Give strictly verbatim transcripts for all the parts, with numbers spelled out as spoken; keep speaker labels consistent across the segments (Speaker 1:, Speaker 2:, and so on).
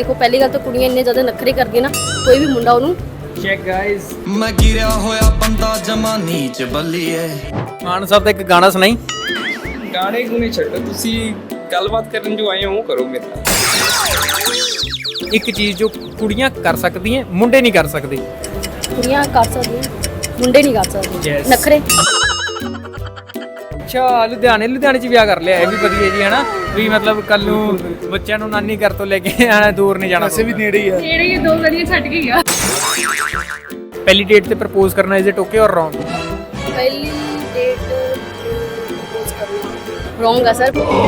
Speaker 1: देखो पहली गल तो कुड़ियां इन्ने ज़्यादा नखरे करदियां ना, कोई भी मुंडा उन्होंने
Speaker 2: ਚੈੱਕ ਗਾਇਸ
Speaker 3: मैं गिरया होया बंदा जमा नीच बल्लीए
Speaker 2: ਮਾਨ ਸਾਹਿਬ ਦਾ ਇੱਕ ਗਾਣਾ ਸੁਣਾਈ।
Speaker 4: ਗਾਣੇ ਗੁਣੇ ਛੱਡੋ, ਤੁਸੀਂ ਗੱਲਬਾਤ ਕਰਨ ਜੋ ਆਏ ਹੋ ਉਹ ਕਰੋ ਮੇਰੇ ਨਾਲ।
Speaker 2: ਇੱਕ ਚੀਜ਼ ਜੋ ਕੁੜੀਆਂ ਕਰ ਸਕਦੀਆਂ ਮੁੰਡੇ ਨਹੀਂ ਕਰ ਸਕਦੇ।
Speaker 1: कुड़ियां कर सकदियां, मुंडे नहीं कर सकदे
Speaker 2: Yes.
Speaker 1: नखरे।
Speaker 2: ਅੱਛਾ ਲੁਧਿਆਣੇ ਲੁਧਿਆਣੇ ਚ ਵਿਆਹ ਕਰ ਲਿਆ, ਇਹ ਵੀ ਵਧੀਆ ਜੀ ਹਨਾ, ਵੀ ਮਤਲਬ ਕੱਲ ਨੂੰ ਬੱਚਿਆਂ ਨੂੰ ਨਾਨੀ ਘਰ ਤੋਂ ਲੈ ਕੇ ਆਣਾ, ਦੂਰ ਨਹੀਂ ਜਾਣਾ। ਵੈਸੇ ਵੀ ਨੇੜੇ ਹੀ ਆ,
Speaker 1: ਨੇੜੇ ਹੀ ਦੋ ਗਲੀਆਂ ਛੱਡ ਕੇ ਗਿਆ।
Speaker 2: ਪਹਿਲੀ ਡੇਟ ਤੇ ਪ੍ਰਪੋਜ਼ ਕਰਨਾ is it okay or wrong?
Speaker 1: पहली डेट प्रपोज करना रॉन्ग है सर।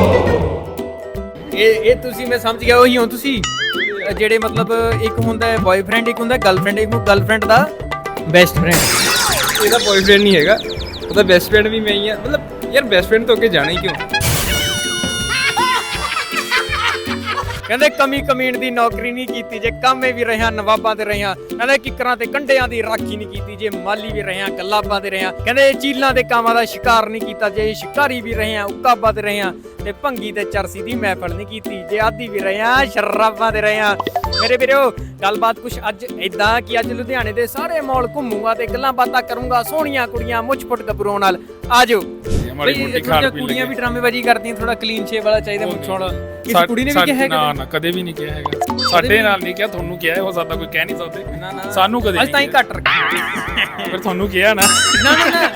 Speaker 2: ਇਹ ਇਹ ਤੁਸੀਂ ਮੈਂ ਸਮਝ ਗਿਆ, ਉਹੀ ਹੋ ਤੁਸੀਂ ਜਿਹੜੇ ਮਤਲਬ ਇੱਕ ਹੁੰਦਾ ਹੈ ਬॉयਫ੍ਰੈਂਡ, ਇੱਕ ਹੁੰਦਾ ਗਰਲਫ੍ਰੈਂਡ, ਇੱਕ ਗਰਲਫ੍ਰੈਂਡ ਦਾ ਬੈਸਟ ਫ੍ਰੈਂਡ।
Speaker 4: ਇਹਦਾ ਬॉयਫ੍ਰੈਂਡ ਨਹੀਂ ਹੈਗਾ, ਉਹਦਾ ਬੈਸਟ ਫ੍ਰੈਂਡ ਵੀ ਮੈਂ ਹੀ ਆ। ਮਤਲਬ ਯਾਰ ਬੈਸਟ ਫ੍ਰੈਂਡ ਤੋਂ ਅੱਗੇ ਜਾਣਾ ਹੀ ਕਿਉਂ?
Speaker 2: ਕਹਿੰਦੇ ਕਮੀ ਕਮੀਣ ਦੀ ਨੌਕਰੀ ਨਹੀਂ ਕੀਤੀ, ਜੇ ਕਾਮੇ ਵੀ ਰਹੀਆਂ ਨਵਾਬਾਂ ਤੇ ਰਹੀਆਂ। ਕਹਿੰਦੇ ਕਿੱਕਰਾਂ ਤੇ ਕੰਡਿਆਂ ਦੀ ਰਾਖੀ ਨਹੀਂ ਕੀਤੀ, ਜੇ ਮਾਲੀ ਵੀ ਰਹੀਆਂ ਗੱਲਾਬਾਂ ਤੇ ਰਹੀਆਂ। ਕਹਿੰਦੇ ਚੀਲਾਂ ਦੇ ਕਾਮਾਂ ਦਾ ਸ਼ਿਕਾਰ ਨਹੀਂ ਕੀਤਾ, ਜੇ ਸ਼ਿਕਾਰੀ ਵੀ ਰਹੀਆਂ ਉਕਾਬਾਂ ਤੇ ਰਹੀਆਂ। ਤੇ ਭੰਗੀ ਤੇ ਚਰਸੀ ਦੀ ਮਹਿਫਲ ਨਹੀਂ ਕੀਤੀ, ਜੇ ਆਦੀ ਵੀ ਰਹੀਆਂ ਸ਼ਰਾਬਾਂ ਤੇ ਰਹੀਆਂ। ਮੇਰੇ ਵੀਰੋ ਗੱਲਬਾਤ ਕੁਛ ਅੱਜ ਇਦਾਂ ਕਿ ਅੱਜ ਲੁਧਿਆਣੇ ਦੇ ਸਾਰੇ ਮੌਲ ਘੁੰਮੂਗਾ ਤੇ ਗੱਲਾਂ ਬਾਤਾਂ ਕਰੂੰਗਾ ਸੋਹਣੀਆਂ ਕੁੜੀਆਂ ਮੁੱਛ ਫੁੱਟ ਗੱਭਰੂਆਂ ਨਾਲ। ਆਜੋ
Speaker 5: ਮਾੜੀ ਮੋਟੀ ਖਾਣ ਪੀਣ
Speaker 2: ਕੁੜੀਆਂ
Speaker 5: ਲੱਗੇ।
Speaker 2: ਵੀ ਡਰਾਮੇਬਾਜ਼ੀ ਕਰਦੀਆਂ, ਥੋੜਾ ਕਲੀਨ ਸ਼ੇਪ ਵਾਲਾ ਚਾਹੀਦਾ ਮੁੱਛ ਵਾਲਾ। ਕਿਸੇ ਕੁੜੀ ਨੇ ਵੀ ਕਿਹਾ
Speaker 5: ਨਾ ਨਾ ਕਦੇ ਵੀ ਨਹੀਂ ਕਿਹਾ ਹੈਗਾ, ਸਾਡੇ ਨਾਲ ਨਹੀਂ ਕਿਹਾ, ਤੁਹਾਨੂੰ ਕਿਹਾ ਹੋ ਸਕਦਾ, ਕੋਈ ਕਹਿ ਨਹੀਂ ਸਕਦੇ।
Speaker 2: ਨਾ ਨਾ
Speaker 5: ਸਾਨੂੰ ਕਦੇ
Speaker 2: ਅੱਜ ਤਾਂ ਹੀ ਘੱਟ ਰੱਖਿਆ।
Speaker 5: ਫਿਰ ਤੁਹਾਨੂੰ ਕਿਹਾ ਨਾ।
Speaker 2: ਨਾ ਨਾ ਨਾ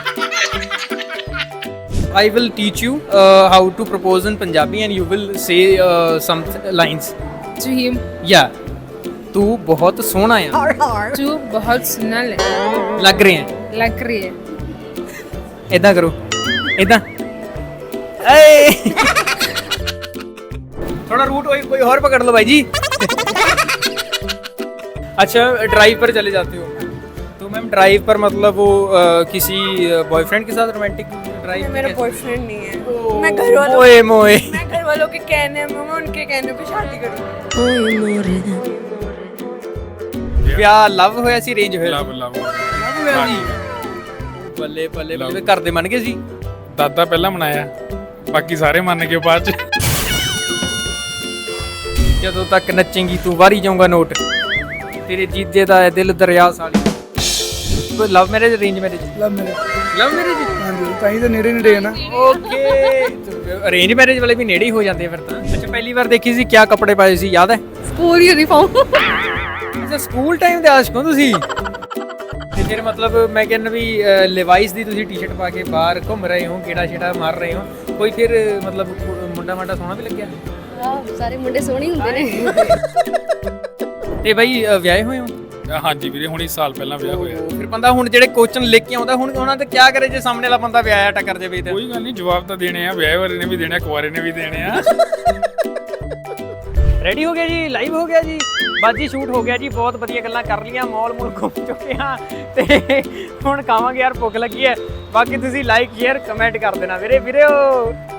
Speaker 2: I will teach you uh, how to propose in Punjabi and you will say uh, some lines.
Speaker 6: To him,
Speaker 2: Yeah. तू बहुत सोहना है,
Speaker 6: तू बहुत सुंदर
Speaker 2: लग रहे हैं।
Speaker 6: लग रही है।
Speaker 2: इदा करो, इदा। थोड़ा रूट कोई कोई और पकड़ लो भाई जी। अच्छा ड्राइव पर चले जाते हो तो मैम ड्राइव पर मतलब वो अ, किसी बॉयफ्रेंड के साथ रोमांटिक ड्राइव?
Speaker 6: मेरा बॉयफ्रेंड नहीं है, मैं घर वालों
Speaker 2: मोए मोए
Speaker 6: मैं घर वालों के कहने में मैं उनके कहने पे शादी करूंगी।
Speaker 2: ਵਿਆਹ ਲਵ ਹੋਇਆ ਸੀ ਰੇਂਜ ਹੋਇਆ?
Speaker 5: ਲਵ ਲਵ
Speaker 2: ਲਵ ਹੋਇਆ ਸੀ। ਬੱਲੇ ਬੱਲੇ ਬੱਲੇ, ਘਰ ਦੇ ਮੰਨ ਗਏ ਸੀ?
Speaker 5: ਦਾਦਾ ਪਹਿਲਾਂ ਮਨਾਇਆ, ਬਾਕੀ ਸਾਰੇ ਮੰਨ ਗਏ ਬਾਅਦ ਚ।
Speaker 2: ਜਦੋਂ ਤੱਕ ਨੱਚੇਂਗੀ ਤੂੰ ਵਾਰੀ ਜਾਊਂਗਾ ਨੋਟ, ਤੇਰੇ ਜੀਜੇ ਦਾ ਹੈ ਦਿਲ ਦਰਿਆ ਸਾਲੀ। Love marriage arrange marriage?
Speaker 7: Love marriage.
Speaker 2: Love marriage?
Speaker 7: ਹਾਂਜੀ, ਤਾਂ ਹੀ ਤਾਂ ਨੇੜੇ ਨੇੜੇ ਹੈ ਨਾ।
Speaker 2: ਓਕੇ ਅਰੇਂਜ ਮੈਰਿਜ ਵਾਲੇ ਵੀ ਨੇੜੇ ਹੀ ਹੋ ਜਾਂਦੇ ਆ ਫਿਰ ਤਾਂ। ਅੱਛਾ ਪਹਿਲੀ ਵਾਰ ਦੇਖੀ ਸੀ ਕਿਆ ਕੱਪੜੇ ਪਾਏ ਸੀ ਯਾਦ ਹੈ?
Speaker 1: School uniform.
Speaker 2: ਅੱਛਾ ਸਕੂਲ ਟਾਈਮ ਦੇ ਆਸ਼ਕ ਹੋ ਤੁਸੀਂ। ਤੇ ਫਿਰ ਮਤਲਬ ਮੈਂ ਕਹਿੰਦਾ ਵੀ ਲਿਵਾਈਸ ਦੀ ਤੁਸੀਂ ਟੀ-ਸ਼ਰਟ ਪਾ ਕੇ ਬਾਹਰ ਘੁੰਮ ਰਹੇ ਹੋ, ਕਿਹੜਾ ਛੇੜਾ ਮਾਰ ਰਹੇ ਹੋ, ਕੋਈ ਫਿਰ ਮਤਲਬ ਮੁੰਡਾ ਮਾਡਾ ਸੋਹਣਾ ਵੀ ਲੱਗਿਆ?
Speaker 1: सारे मुंडे सोहने हुंदे ने।
Speaker 2: ਤੇ ਬਾਈ ਵਿਆਹੇ ਹੋਏ ਹੋ?
Speaker 5: ਹਾਂਜੀ ਵੀਰੇ, ਹੁਣ ਇਸ ਸਾਲ ਪਹਿਲਾਂ ਵਿਆਹ ਹੋਇਆ।
Speaker 2: ਫਿਰ ਬੰਦਾ ਹੁਣ ਜਿਹੜੇ ਕੋਚਨ ਲੈ ਕੇ ਆਉਂਦਾ ਹੁਣ ਉਹਨਾਂ ਤੇ ਕਿਆ ਕਰੇ ਜੇ ਸਾਹਮਣੇ ਵਾਲਾ ਬੰਦਾ ਵਿਆਹਿਆ ਟੱਕਰ ਜਾਵੇ ਤਾਂ?
Speaker 5: ਕੋਈ ਗੱਲ ਨਹੀਂ, ਜਵਾਬ ਤਾਂ ਦੇਣੇ ਆ, ਵਿਆਹ ਵਾਲੇ ਨੇ ਵੀ ਦੇਣੇ ਆ, ਕੁਆਰੇ ਨੇ ਵੀ ਦੇਣੇ ਆ।
Speaker 2: ਰੈਡੀ ਹੋ ਗਿਆ ਜੀ, ਲਾਈਵ ਹੋ ਗਿਆ ਜੀ, ਬਾਜੀ ਸ਼ੂਟ ਹੋ ਗਿਆ ਜੀ, ਬਹੁਤ ਵਧੀਆ ਗੱਲਾਂ ਕਰ ਲੀਆਂ, ਮੌਲ ਮੂਲ ਘੁੰਮ ਚੁੱਕੇ ਹਾਂ ਤੇ ਹੁਣ ਖਾਵਾਂਗੇ ਯਾਰ, ਭੁੱਖ ਲੱਗੀ ਹੈ। ਬਾਕੀ ਤੁਸੀਂ ਲਾਈਕ ਸ਼ੇਅਰ ਕਮੈਂਟ ਕਰ ਦੇਣਾ ਵੀਰੇ ਵੀਰੋ।